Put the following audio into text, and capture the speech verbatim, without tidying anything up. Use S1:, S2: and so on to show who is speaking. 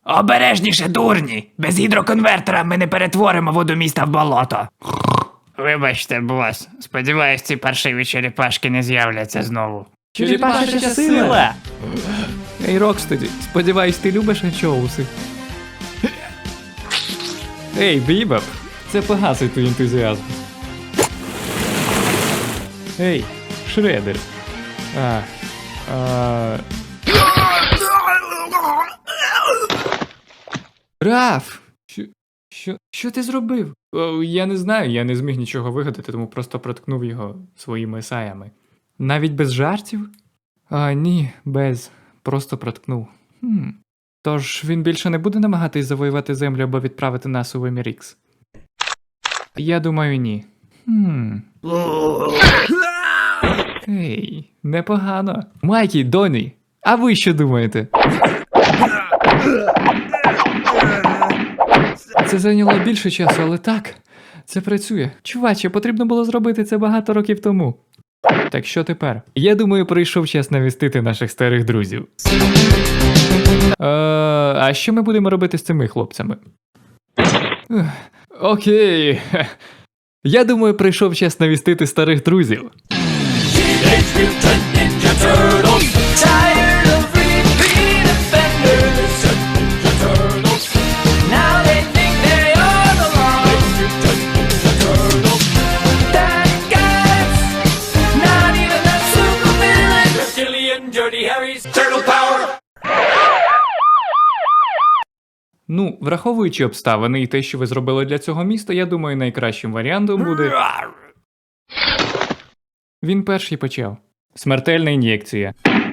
S1: Обережніше, дурні! Без гідроконвертера ми не перетворимо воду міста в болото. Вибачте, бос. Сподіваюсь, ці паршиві черепашки не з'являться знову.
S2: Черепашеча сила! Ей, Рокстеді, сподіваюсь, ти любиш анчоуси. Ей, Бібоп, це погасить твій ентузіазм. Ей, Шредер. А, а... Раф! Що, що, що ти зробив? О, я не знаю, я не зміг нічого вигадати, тому просто проткнув його своїми саями. Навіть без жартів? А, ні, без. Просто проткнув. Хм. Тож він більше не буде намагатись завоювати землю або відправити нас у вимір Ікс? Я думаю, ні. Хм. Ей, непогано. Майкі, Доні, а ви що думаєте? Це зайняло більше часу, але так, це працює. Чуваче, потрібно було зробити це багато років тому. Так що тепер? Я думаю, прийшов час навістити наших старих друзів. Е, а що ми будемо робити з цими хлопцями? Ех, окей. Я думаю, прийшов час навістити старих друзів. Ну, враховуючи обставини і те, що ви зробили для цього міста, я думаю, найкращим варіантом буде... Він перший почав. Смертельна ін'єкція.